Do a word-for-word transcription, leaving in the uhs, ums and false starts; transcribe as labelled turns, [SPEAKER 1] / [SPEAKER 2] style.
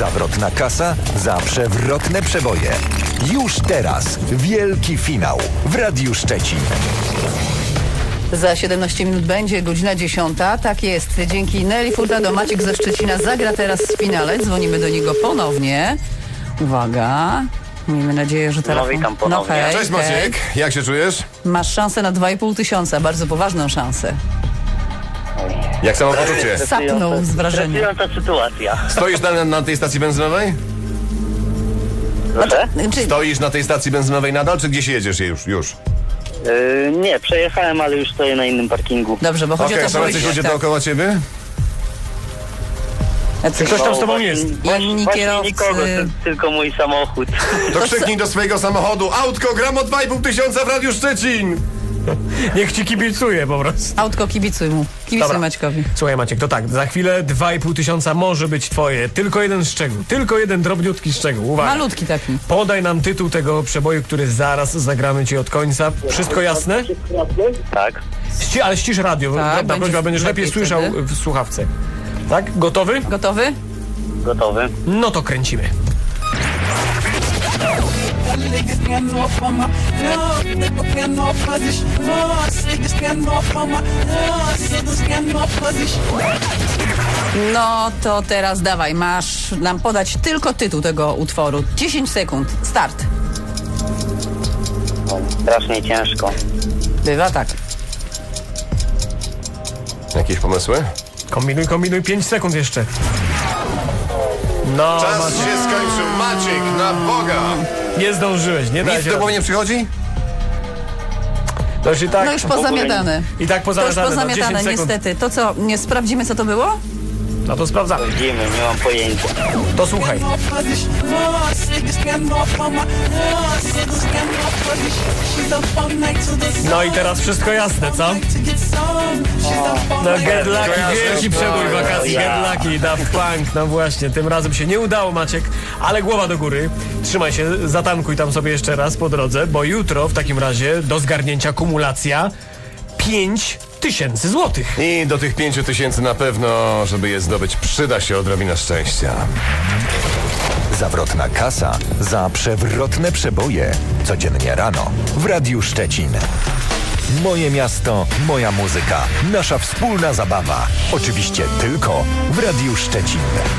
[SPEAKER 1] Zawrotna kasa za przewrotne przeboje. Już teraz wielki finał w Radiu Szczecin.
[SPEAKER 2] Za siedemnaście minut będzie godzina dziesiąta. Tak jest. Dzięki Nelly Furtado Maciek ze Szczecina zagra teraz w finale. Dzwonimy do niego ponownie. Uwaga. Miejmy nadzieję, że telefon...
[SPEAKER 3] No witam ponownie.
[SPEAKER 2] No hej,
[SPEAKER 4] Cześć Maciek,
[SPEAKER 2] hej.
[SPEAKER 4] jak się czujesz?
[SPEAKER 2] Masz szansę na dwa i pół tysiąca. Bardzo poważną szansę.
[SPEAKER 4] Jak samopoczucie?
[SPEAKER 2] Sapnął z wrażenia.
[SPEAKER 3] Stresująca sytuacja.
[SPEAKER 4] Stoisz na, na tej stacji benzynowej?
[SPEAKER 3] Proszę?
[SPEAKER 2] Czy...
[SPEAKER 4] Stoisz na tej stacji benzynowej nadal, czy gdzieś jedziesz już? już?
[SPEAKER 3] Yy, nie, przejechałem, ale już stoję na innym parkingu.
[SPEAKER 2] Dobrze, bo chodzi
[SPEAKER 4] Okej,
[SPEAKER 2] o to,
[SPEAKER 4] są jacyś ludzie
[SPEAKER 2] tak.
[SPEAKER 4] dookoła ciebie?
[SPEAKER 2] Jacyś-
[SPEAKER 5] Ktoś tam z tobą
[SPEAKER 3] właśnie-
[SPEAKER 5] jest.
[SPEAKER 2] Inni
[SPEAKER 3] Właśnie
[SPEAKER 2] kierowcy.
[SPEAKER 3] nikogo, ty, tylko mój samochód.
[SPEAKER 4] To krzyknij do swojego samochodu: autko, gram o dwa i pół tysiąca w Radiu Szczecin!
[SPEAKER 5] Niech ci kibicuje po prostu.
[SPEAKER 2] Autko, kibicuj mu. Kibicuj
[SPEAKER 5] Dobra.
[SPEAKER 2] Maćkowi.
[SPEAKER 5] Słuchaj Maciek, to tak, za chwilę dwa i pół tysiąca może być twoje. Tylko jeden szczegół, tylko jeden drobniutki szczegół. Uwaga.
[SPEAKER 2] Malutki taki.
[SPEAKER 5] Podaj nam tytuł tego przeboju, który zaraz zagramy ci od końca. Wszystko jasne?
[SPEAKER 3] Tak.
[SPEAKER 5] Ści ale ścisz radio,
[SPEAKER 2] Tak,
[SPEAKER 5] prawda,
[SPEAKER 2] będzie
[SPEAKER 5] prośba, będziesz lepiej
[SPEAKER 2] lepiej
[SPEAKER 5] słyszał
[SPEAKER 2] wtedy.
[SPEAKER 5] w słuchawce. Tak? Gotowy?
[SPEAKER 2] Gotowy?
[SPEAKER 3] Gotowy.
[SPEAKER 5] No to kręcimy.
[SPEAKER 2] No to teraz dawaj, masz nam podać tylko tytuł tego utworu. dziesięć sekund. Start.
[SPEAKER 3] Strasznie ciężko.
[SPEAKER 2] Bywa tak.
[SPEAKER 4] Jakieś pomysły?
[SPEAKER 5] Kombinuj, kombinuj, pięć sekund jeszcze. No,
[SPEAKER 4] Czas
[SPEAKER 5] Maciek,
[SPEAKER 4] się skończył, Maciek, na Boga!
[SPEAKER 5] nie zdążyłeś, nie
[SPEAKER 4] Nic
[SPEAKER 5] dajcie
[SPEAKER 4] do głowy
[SPEAKER 5] rady.
[SPEAKER 4] nie przychodzi?
[SPEAKER 5] To już i tak,
[SPEAKER 2] No już pozamiatane.
[SPEAKER 5] i tak
[SPEAKER 2] To już
[SPEAKER 5] pozamiatane, no,
[SPEAKER 2] pozamiatane,
[SPEAKER 5] dziesięć sekund.
[SPEAKER 2] niestety. To co, nie sprawdzimy co to było?
[SPEAKER 5] No to sprawdzamy.
[SPEAKER 3] Widzimy, nie mam pojęcia.
[SPEAKER 5] To słuchaj. No i teraz wszystko jasne, co? No Get Lucky,
[SPEAKER 4] kojarzę.
[SPEAKER 5] wielki przebój wakacji, Get
[SPEAKER 3] Ja.
[SPEAKER 5] Lucky, Daft Punk, no właśnie, tym razem się nie udało Maciek, ale głowa do góry. Trzymaj się, zatankuj tam sobie jeszcze raz po drodze, bo jutro w takim razie do zgarnięcia kumulacja pięć tysięcy złotych.
[SPEAKER 4] I do tych pięciu tysięcy na pewno, żeby je zdobyć, przyda się odrobina szczęścia.
[SPEAKER 1] Zawrotna kasa za przewrotne przeboje. Codziennie rano w Radiu Szczecin. Moje miasto, moja muzyka. Nasza wspólna zabawa. Oczywiście tylko w Radiu Szczecin.